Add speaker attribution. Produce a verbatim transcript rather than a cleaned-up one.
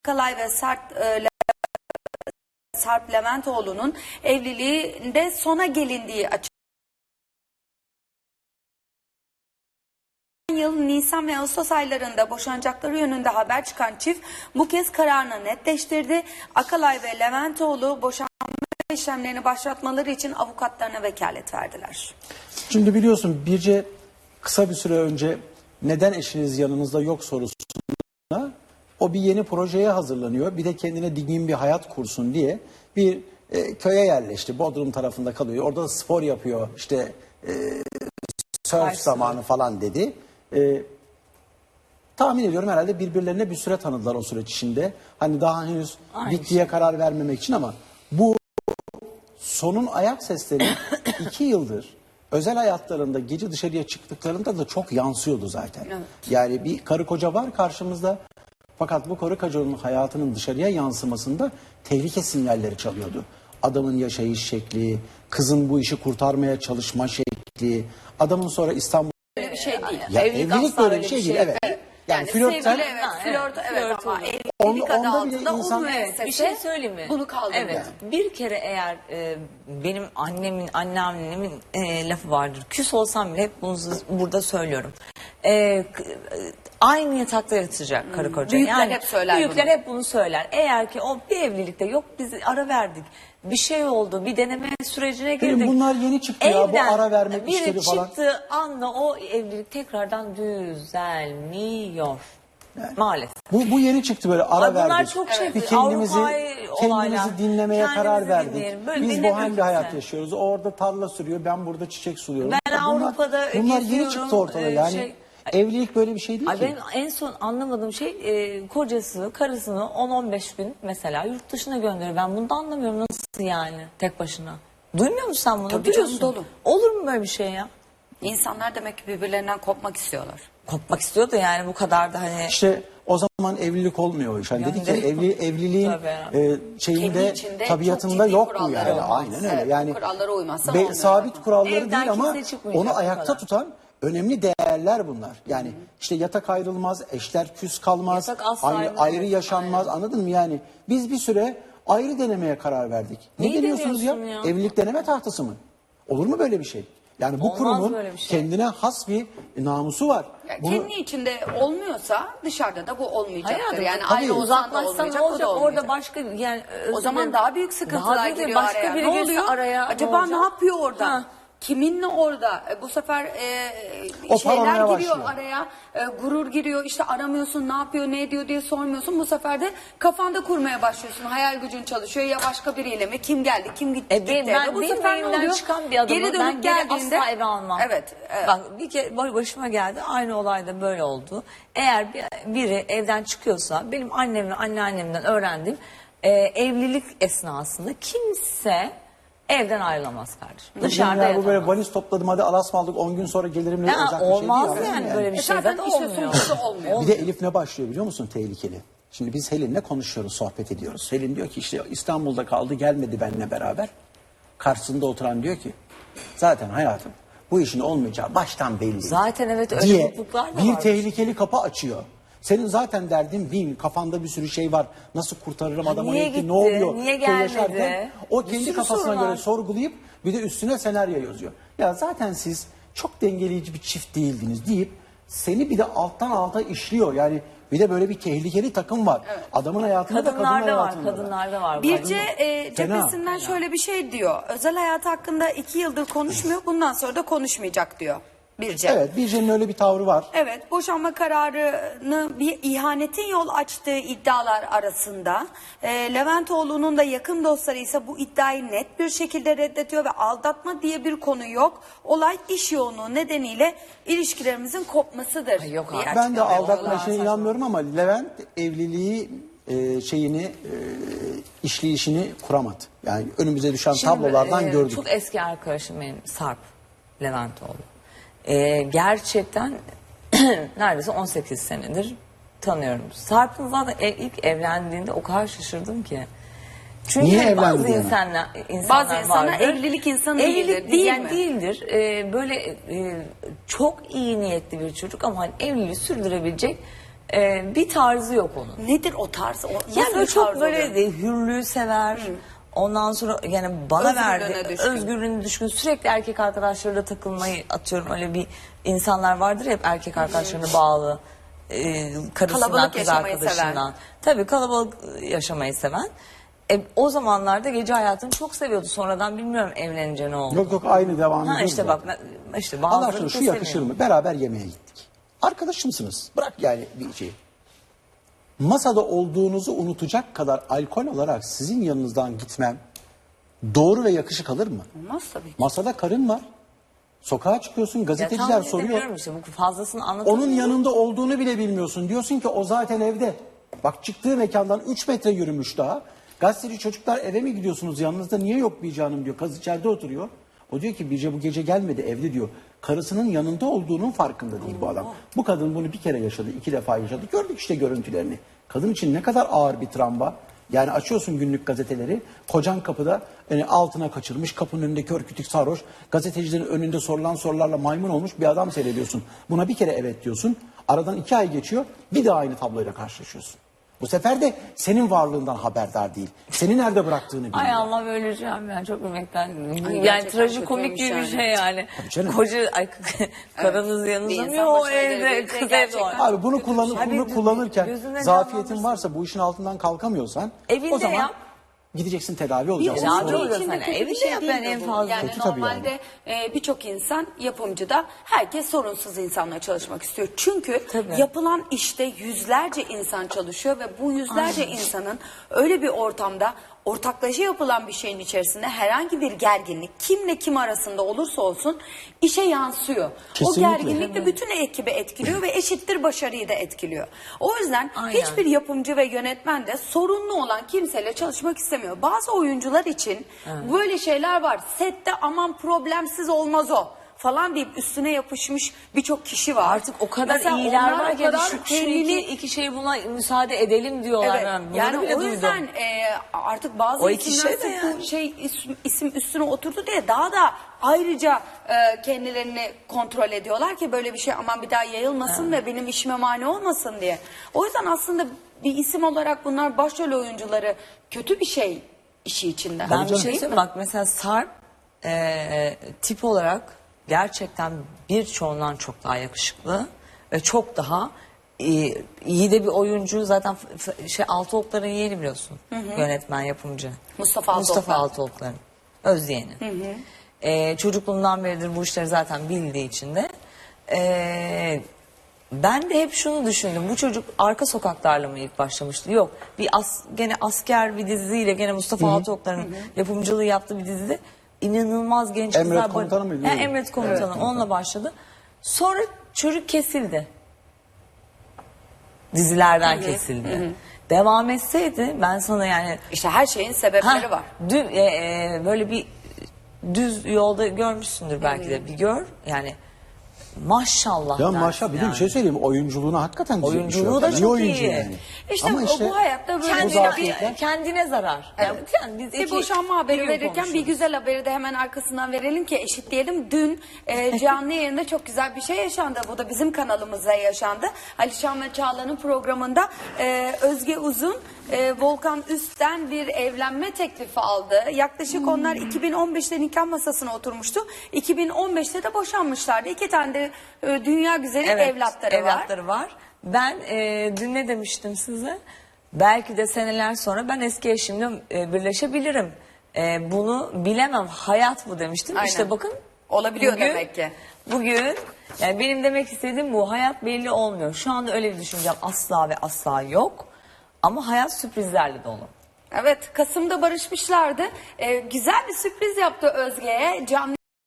Speaker 1: Akalay ve Sarp, e, Sarp Leventoğlu'nun evliliğinde sona gelindiği açıklandı. Yıl Nisan ve Ağustos aylarında boşanacakları yönünde haber çıkan çift bu kez kararını netleştirdi. Akalay ve Leventoğlu boşanma işlemlerini başlatmaları için avukatlarına vekalet verdiler.
Speaker 2: Şimdi biliyorsun Birce kısa bir süre önce neden eşiniz yanınızda yok sorusuna o bir yeni projeye hazırlanıyor. Bir de kendine dingin bir hayat kursun diye bir e, köye yerleşti. Bodrum tarafında kalıyor. Orada da spor yapıyor. İşte e, surf Ay, zamanı falan dedi. E, tahmin ediyorum herhalde birbirlerine bir süre tanıdılar o süreç içinde. Hani daha henüz Aynı bittiye şey. karar vermemek için ama bu sonun ayak sesleri iki yıldır özel hayatlarında gece dışarıya çıktıklarında da çok yansıyordu zaten. Evet. Yani bir karı koca var karşımızda. Fakat bu karı kocanın hayatının dışarıya yansımasında tehlike sinyalleri çalıyordu. Adamın yaşayış şekli, kızın bu işi kurtarmaya çalışma şekli, adamın sonra İstanbul...
Speaker 1: Böyle bir şey değil.
Speaker 2: Ya evlilik, evlilik böyle bir şey, şey değil, evet. evet. Yani, yani flörtten...
Speaker 1: Evet, flört, evet, evet ama evlilik
Speaker 2: On,
Speaker 1: adı altında
Speaker 2: insan...
Speaker 1: evet,
Speaker 3: bir şey söyleyeyim mi?
Speaker 1: Bunu kaldırıyor.
Speaker 3: Evet, yani. Bir kere eğer e, benim annemin, anneannemin e, lafı vardır. Küs olsam bile hep bunu burada söylüyorum. E, aynı yatakta yatacak hmm. karı koca.
Speaker 1: Büyükler
Speaker 3: yani,
Speaker 1: hep söyler
Speaker 3: Büyükler
Speaker 1: bunu.
Speaker 3: hep bunu söyler. Eğer ki o bir evlilikte yok biz ara verdik. Bir şey oldu, bir deneme sürecine girdik.
Speaker 2: Benim bunlar yeni çıktı ya, bu ara vermek işleri
Speaker 3: biri
Speaker 2: falan.
Speaker 3: çıktığı anla o evlilik tekrardan düzelmiyor. Yani. Maalesef.
Speaker 2: Bu, bu yeni çıktı böyle ara
Speaker 3: Ay, bunlar
Speaker 2: verdik.
Speaker 3: çok şey,
Speaker 2: bir kendimizi, kendimizi dinlemeye
Speaker 3: kendimizi
Speaker 2: karar verdik.
Speaker 3: Böyle
Speaker 2: Biz bu hangi hayat yaşıyoruz? O orada tarla sürüyor, ben burada çiçek suluyorum.
Speaker 3: Ben
Speaker 2: bunlar,
Speaker 3: Avrupa'da
Speaker 2: Bunlar yeni çıktı ortada yani. Şey, evlilik böyle bir şey değil
Speaker 3: ay
Speaker 2: ki.
Speaker 3: Ben en son anlamadığım şey e, kocası karısını on on beş gün mesela yurt dışına gönderiyor. Ben bunu da anlamıyorum, nasıl yani tek başına. Duymuyor musun sen bunu?
Speaker 1: Tabii canım, dolu.
Speaker 3: Olur mu böyle bir şey ya?
Speaker 1: İnsanlar demek ki birbirlerinden kopmak istiyorlar.
Speaker 3: Kopmak istiyordu yani, bu kadar da hani.
Speaker 2: İşte o zaman evlilik olmuyor o iş. Hani dedik ya evli, evliliğin e, şeyinde tabiatında yok mu yani? Olmaz. Aynen öyle. Evet, yani
Speaker 1: kurallara uymazsa
Speaker 2: be, sabit
Speaker 1: zaten.
Speaker 2: kuralları
Speaker 3: Evden
Speaker 2: değil ama onu ayakta
Speaker 3: kadar.
Speaker 2: tutan önemli değerler bunlar. Yani Hı -hı. işte yatak ayrılmaz, eşler küs kalmaz, aynı, ayrı yaşanmaz. Aynen. Anladın mı yani? Biz bir süre ayrı denemeye karar verdik. Ne
Speaker 3: Neyi
Speaker 2: deniyorsunuz ya? ya? Evlilik deneme tahtası mı? Olur mu böyle bir şey? Yani bu
Speaker 3: Olmaz
Speaker 2: kurumun
Speaker 3: şey.
Speaker 2: kendine has bir namusu var.
Speaker 1: Yani
Speaker 2: Bunu...
Speaker 1: Kendi içinde olmuyorsa dışarıda da bu olmayacaktır.
Speaker 3: Hayatım,
Speaker 1: yani ayrı
Speaker 3: uzaklaşsan ne olacak, orada başka yani
Speaker 1: o zaman daha büyük sıkıntılar daha giriyor başka araya. Biri ne oluyor? Araya, acaba ne, ne yapıyor orada? Ha. Kiminle orada? E, bu sefer e, şeyler giriyor başlıyor. araya, e, gurur giriyor, işte aramıyorsun, ne yapıyor, ne ediyor diye sormuyorsun. Bu sefer de kafanda kurmaya başlıyorsun. Hayal gücün çalışıyor, ya başka biriyle mi? Kim geldi, kim gitti?
Speaker 3: E, ben, ben bu sefer ne oluyor? Çıkan bir adamı geri dönüp ben geldiğinde asla eve almam. Evet, evet. Bak bir kere başıma geldi, aynı olayda böyle oldu. Eğer biri evden çıkıyorsa, benim annemle anneannemden öğrendiğim e, evlilik esnasında kimse evden ayrılamaz kardeşim. Dışarıda yatamaz.
Speaker 2: Bu böyle valiz topladım, hadi Alas mı aldık, on gün sonra gelirim ne olacak bir şey değil.
Speaker 3: Olmaz yani, yani böyle bir şey de olmuyor.
Speaker 2: olmuyor. Bir de Elif ne başlıyor biliyor musun tehlikeli? Şimdi biz Helin'le konuşuyoruz, sohbet ediyoruz. Helin diyor ki işte İstanbul'da kaldı, gelmedi benimle beraber. Karşısında oturan diyor ki zaten hayatım bu işin olmayacağı baştan belli.
Speaker 3: Zaten evet, öyle
Speaker 2: diye
Speaker 3: mutluluklar da
Speaker 2: bir
Speaker 3: var.
Speaker 2: tehlikeli kapı açıyor. Senin zaten derdin bin, kafanda bir sürü şey var. Nasıl kurtarırım adamı,
Speaker 3: gitti,
Speaker 2: ne oluyor?
Speaker 3: Niye gelmedi?
Speaker 2: O kendi kafasına göre sorgulayıp bir de üstüne senaryo yazıyor. Ya zaten siz çok dengeleyici bir çift değildiniz deyip seni bir de alttan alta işliyor. Yani bir de böyle bir tehlikeli takım var. Evet. Adamın hayatında da kadın hayatında
Speaker 3: var. Kadınlarda var.
Speaker 1: Birce e, cephesinden şöyle bir şey diyor. Özel hayatı hakkında iki yıldır konuşmuyor. Bundan sonra da konuşmayacak diyor. Birce.
Speaker 2: Evet, Birce'nin öyle bir tavrı var.
Speaker 1: Evet, boşanma kararını bir ihanetin yol açtığı iddialar arasında. E, Leventoğlu'nun da yakın dostları ise bu iddiayı net bir şekilde reddediyor ve aldatma diye bir konu yok. Olay iş yoğunluğu nedeniyle ilişkilerimizin kopmasıdır.
Speaker 3: Ay yok abi.
Speaker 2: Ben de aldatma işine inanmıyorum ama Levent evliliği e, şeyini e, işleyişini kuramadı. Yani önümüze düşen Şimdi, tablolardan e, gördük.
Speaker 3: Çok eski arkadaşım benim Sarp Leventoğlu. Ee, gerçekten neredeyse on sekiz senedir tanıyorum. Sarp'ın zaten ilk evlendiğinde o kadar şaşırdım ki. Çünkü
Speaker 2: Niye
Speaker 3: bazı insanlar, insanlar
Speaker 1: bazı insanlar
Speaker 3: vardır.
Speaker 1: evlilik insanı
Speaker 3: evlilik
Speaker 1: değildir, değil
Speaker 3: yani
Speaker 1: mi?
Speaker 3: Değildir. Ee, böyle e, çok iyi niyetli bir çocuk ama hani evliliği sürdürebilecek Ee, bir tarzı yok onun.
Speaker 1: Nedir o tarz? O,
Speaker 3: Yani böyle çok
Speaker 1: tarz
Speaker 3: böyle
Speaker 1: oluyor?
Speaker 3: de hürlüğü sever. Hı. Ondan sonra yani bana
Speaker 1: Özgürlüğüne
Speaker 3: verdi.
Speaker 1: düşkün.
Speaker 3: Özgürlüğüne düşkün. Sürekli erkek arkadaşlarıyla takılmayı atıyorum. Öyle bir insanlar vardır ya hep erkek arkadaşlarına bağlı. E, karısından,
Speaker 1: Kalabalık
Speaker 3: kız
Speaker 1: yaşamayı
Speaker 3: arkadaşından.
Speaker 1: seven.
Speaker 3: Tabii kalabalık yaşamayı seven. E, o zamanlarda gece hayatını çok seviyordu. Sonradan bilmiyorum evlenince ne oldu.
Speaker 2: Yok yok aynı devam ediyor.
Speaker 3: Ha işte bak ben- işte bazıları
Speaker 2: Allah aşkına şu
Speaker 3: kesemiyor.
Speaker 2: yakışır mı? Beraber yemeğe gittik. Arkadaşımsınız. Bırak yani bir şeyi. Masada olduğunuzu unutacak kadar alkol olarak sizin yanınızdan gitmem doğru ve yakışık alır mı?
Speaker 1: Olmaz tabii ki.
Speaker 2: Masada karın var. Sokağa çıkıyorsun,
Speaker 3: Ya
Speaker 2: gazeteciler
Speaker 3: tahmin
Speaker 2: soruyor.
Speaker 3: edebiliyorum işte bu fazlasını anlatamıyorum.
Speaker 2: Onun yanında olduğunu bile bilmiyorsun. Diyorsun ki o zaten evde. Bak çıktığı mekandan üç metre yürümüş daha. Gazeteci çocuklar eve mi gidiyorsunuz yanınızda niye yok Birce Hanım diyor. Kız içeride oturuyor. O diyor ki Birce bu gece gelmedi evde diyor. Karısının yanında olduğunun farkında değil bu adam. Bu kadın bunu bir kere yaşadı, iki defa yaşadı. Gördük işte görüntülerini. Kadın için ne kadar ağır bir travma. Yani açıyorsun günlük gazeteleri. Kocan kapıda yani altına kaçırmış. Kapının önünde kör kütük sarhoş. Gazetecilerin önünde sorulan sorularla maymun olmuş bir adam seyrediyorsun. Buna bir kere evet diyorsun. Aradan iki ay geçiyor. Bir daha aynı tabloyla karşılaşıyorsun. Bu sefer de senin varlığından haberdar değil. Seni nerede bıraktığını bilmiyor.
Speaker 3: Ay Allah öleceğim yani çok ümekten. Yani
Speaker 1: gerçekten
Speaker 3: trajikomik
Speaker 1: kötüymüş
Speaker 3: gibi bir
Speaker 1: yani.
Speaker 3: şey yani.
Speaker 2: Tabii canım.
Speaker 3: Koca ay, karınız yanınızda
Speaker 1: Bir
Speaker 3: mı
Speaker 1: insan
Speaker 3: o
Speaker 1: başına
Speaker 3: evde
Speaker 1: gelebilecek
Speaker 3: kız evde
Speaker 1: gerçekten.
Speaker 3: var.
Speaker 2: Abi bunu, kullanır,
Speaker 3: Abi
Speaker 2: bunu
Speaker 3: gözüne
Speaker 2: kullanırken zafiyetin
Speaker 3: canlandırsın.
Speaker 2: varsa bu işin altından kalkamıyorsan
Speaker 3: Evinde
Speaker 2: o zaman
Speaker 3: yap.
Speaker 2: gideceksin tedavi olacaksın.
Speaker 3: Tedavi
Speaker 1: Oyuncu
Speaker 3: olacaksın.
Speaker 1: için de
Speaker 3: Hani
Speaker 1: kötü bir
Speaker 3: evinde
Speaker 1: şey
Speaker 3: yap
Speaker 1: değil
Speaker 3: yani
Speaker 1: de
Speaker 3: en
Speaker 1: bu.
Speaker 3: fazla.
Speaker 1: Yani
Speaker 2: Kötü tabii
Speaker 1: normalde e, birçok insan yapımcıda herkes sorunsuz insanla çalışmak istiyor. Çünkü
Speaker 3: Tabii.
Speaker 1: yapılan işte yüzlerce insan çalışıyor ve bu yüzlerce
Speaker 3: Aynen.
Speaker 1: insanın öyle bir ortamda ortaklaşa yapılan bir şeyin içerisinde herhangi bir gerginlik kimle kim arasında olursa olsun işe yansıyor.
Speaker 2: Kesinlikle.
Speaker 1: O gerginlik de bütün ekibi etkiliyor ve eşittir başarıyı da etkiliyor. O yüzden
Speaker 3: Aynen.
Speaker 1: hiçbir yapımcı ve yönetmen de sorunlu olan kimseyle çalışmak istemiyor. Bazı oyuncular için böyle şeyler var. Sette aman problemsiz olmaz o falan deyip üstüne yapışmış birçok kişi var.
Speaker 3: Artık o kadar
Speaker 1: Mesela
Speaker 3: iyiler
Speaker 1: onlar
Speaker 3: var
Speaker 1: o
Speaker 3: ki
Speaker 1: kadar
Speaker 3: şu, şu
Speaker 1: kendini-
Speaker 3: iki, iki şey buna müsaade edelim diyorlar.
Speaker 1: Evet,
Speaker 3: Ben bunları
Speaker 1: yani
Speaker 3: bile
Speaker 1: o yüzden
Speaker 3: duydum.
Speaker 1: e, artık bazı
Speaker 3: O iki
Speaker 1: isimler
Speaker 3: şey de
Speaker 1: sırf
Speaker 3: yani.
Speaker 1: bu şey isim, isim üstüne oturdu diye daha da ayrıca e, kendilerini kontrol ediyorlar ki böyle bir şey aman bir daha yayılmasın ve benim işime mani olmasın diye. O yüzden aslında bir isim olarak bunlar başrol oyuncuları kötü bir şey işi içinde.
Speaker 3: Ben bir
Speaker 2: canım.
Speaker 3: şey söyleyeyim bak mesela Sarp e, tip olarak gerçekten birçoğundan çok daha yakışıklı ve çok daha iyi, iyi de bir oyuncu zaten f- f- şey Altıoklar'ın yeğeni biliyorsun yönetmen yapımcı
Speaker 1: Mustafa Altıoklar.
Speaker 3: Mustafa Altıoklar'ın özyeğeni. E, çocukluğundan beridir bu işleri zaten bildiği için de e, ben de hep şunu düşündüm. Bu çocuk Arka Sokaklarla mı ilk başlamıştı? Yok. Bir as, gene asker bir diziyle gene Mustafa Altıoklar'ın yapımcılığı yaptığı bir dizide inanılmaz genç
Speaker 2: Emret
Speaker 3: kızlar.
Speaker 2: Komutanı mıydı?
Speaker 3: He, Emret Komutanı.
Speaker 2: Evet.
Speaker 3: Onunla başladı. Sonra çocuk kesildi. Dizilerden kesildi. Devam etseydi ben sana yani
Speaker 1: İşte her şeyin sebepleri
Speaker 3: Ha,
Speaker 1: var.
Speaker 3: dü- e, e, böyle bir düz yolda görmüşsündür belki de bir gör yani maşallah.
Speaker 2: Ya
Speaker 3: dersin
Speaker 2: maşallah bir de
Speaker 3: yani.
Speaker 2: bir şey söyleyeyim oyunculuğuna hakikaten güzel bir şey
Speaker 3: Oyunculuğu
Speaker 2: yok.
Speaker 3: da
Speaker 2: İyi
Speaker 3: çok
Speaker 2: oyuncu
Speaker 3: iyi.
Speaker 2: yani.
Speaker 1: İşte
Speaker 2: Ama
Speaker 1: o-
Speaker 2: işte
Speaker 1: bu hayatta böyle
Speaker 2: bu
Speaker 3: Kendine,
Speaker 2: zafiyetler-
Speaker 3: kendine zarar. Yani, yani biz
Speaker 1: Bir
Speaker 3: iki-
Speaker 1: boşanma haberi
Speaker 3: bir gün
Speaker 1: verirken bir
Speaker 3: konuşuruz.
Speaker 1: güzel haberi de hemen arkasından verelim ki eşitleyelim. Dün e, canlı yayında çok güzel bir şey yaşandı. Bu da bizim kanalımızda yaşandı. Alişan ve Çağla'nın programında e, Özge Uzun e, Volkan Üst'ten bir evlenme teklifi aldı. Yaklaşık onlar iki bin on beşte nikah masasına oturmuştu. iki bin on beşte de boşanmışlardı. İki tane de e, dünya güzeli
Speaker 3: Evet,
Speaker 1: evlatları, var.
Speaker 3: evlatları var. Ben e, dün ne demiştim size? Belki de seneler sonra ben eski eşimle e, birleşebilirim. E, bunu bilemem. Hayat bu demiştim.
Speaker 1: Aynen.
Speaker 3: İşte bakın.
Speaker 1: Olabiliyor demek ki.
Speaker 3: Bugün yani benim demek istediğim bu. Hayat belli olmuyor. Şu anda öyle bir düşüncem asla ve asla yok. Ama hayat sürprizlerle dolu.
Speaker 1: Evet, Kasım'da barışmışlardı. E, güzel bir sürpriz yaptı Özge'ye. Canlı